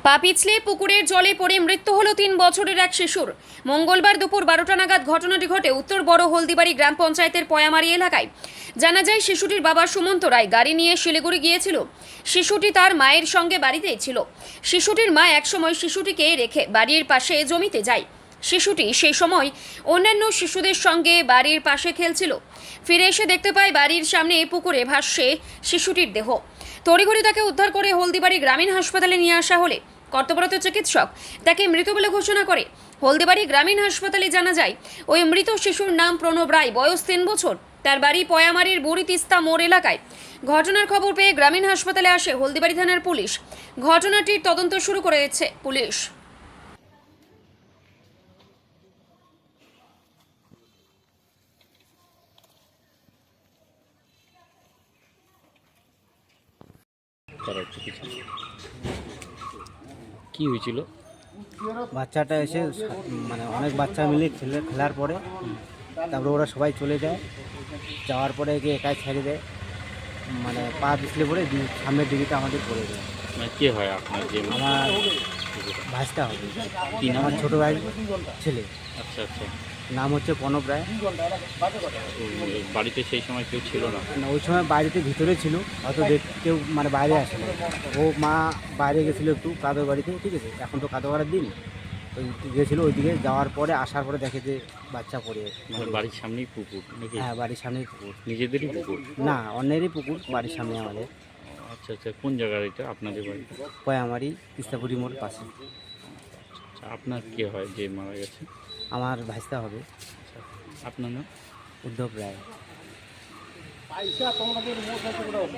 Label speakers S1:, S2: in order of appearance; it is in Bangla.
S1: পা পিছলে পুকুরের জলে পড়ে মৃত্যু হলো ৩ বছরের এক শিশুর। মঙ্গলবার দুপুর ১২টা নাগাদ ঘটনাটি ঘটে উত্তর বড় হলদিবাড়ি গ্রাম পঞ্চায়েতের পয়ামারি এলাকায়। জানা যায় শিশুটির বাবা সুমন্ত রায় গাড়ি নিয়ে শিলিগুড়ি গিয়েছিল। শিশুটি তার মায়ের সঙ্গে বাড়িতেই ছিল। শিশুটির মা একসময় শিশুটিকে রেখে বাড়ির পাশে জমিতে যায়। শিশুটি সেই সময় অন্যান্য শিশুদের সঙ্গে বাড়ির পাশে খেলছিল। ফিরে এসে দেখতে পায় বাড়ির সামনে পুকুরে ভাসছে শিশুটির দেহ। তড়িঘড়ি তাকে উদ্ধার করে হলদিবাড়ি গ্রামীণ হাসপাতালে নিয়ে আসা হলে কর্তব্যরত চিকিৎসক তাকে মৃত বলে ঘোষণা করে। হলদিবাড়ি গ্রামীণ হাসপাতালে জানা যায় ওই মৃত শিশুর নাম প্রণব রায়, বয়স ৩ বছর। তার বাড়ি পয়ামারির বুড়ি তিস্তা মোড় এলাকায়। ঘটনার খবর পেয়ে গ্রামীণ হাসপাতালে আসে হলদিবাড়ি থানার পুলিশ। ঘটনাটির তদন্ত শুরু করেছে পুলিশ।
S2: কি হয়েছিল?
S3: বাচ্চাটা এসে মানে অনেক বাচ্চা মিলে খেলার পরে তারপরে ওরা সবাই চলে যায়। যাওয়ার পরে গিয়ে একাই ছেড়ে দেয়, মানে পা পিছলে পড়ে সামনের দিকে আমাদের পড়ে যায়।
S2: মানে কে হয় আপনার? যে
S3: আমার ভাইসটা হবে,
S2: কি নাম?
S3: আমার ছোটো ভাই ছেলে,
S2: আচ্ছা আচ্ছা।
S3: নাম হচ্ছে প্রণব রায়।
S2: তো বাড়িতে সেই সময় কেউ ছিল না?
S3: না, ওই সময় বাড়িতে ভিতরে ছিল, হয়তো কেউ মানে বাইরে আসে না। ও মা বাইরে গেছিলো একটু কাদর বাড়িতে, ঠিক আছে, এখন তো কাদর বাড়ার দিন, ওই গেছিলো ওইদিকে। যাওয়ার পরে আসার পরে দেখে যে বাচ্চা পড়ে।
S2: মানে বাড়ির সামনেই পুকুর নাকি?
S3: হ্যাঁ, বাড়ির সামনেই পুকুর।
S2: নিজেদেরই পুকুর?
S3: না, অন্যেরই পুকুর, বাড়ির সামনে আমাদের।
S2: আচ্ছা আচ্ছা। কোন জায়গার এটা আপনাদের বাড়ি?
S3: পয়ামারি তিস্তাপুরি মোড় পাশে।
S2: আচ্ছা, আপনার কে হয় যে মারা গেছে?
S3: আমার ভাইস্তা হবে,
S2: আচ্ছা, আপনার নাম?
S3: উদ্ধব রায়।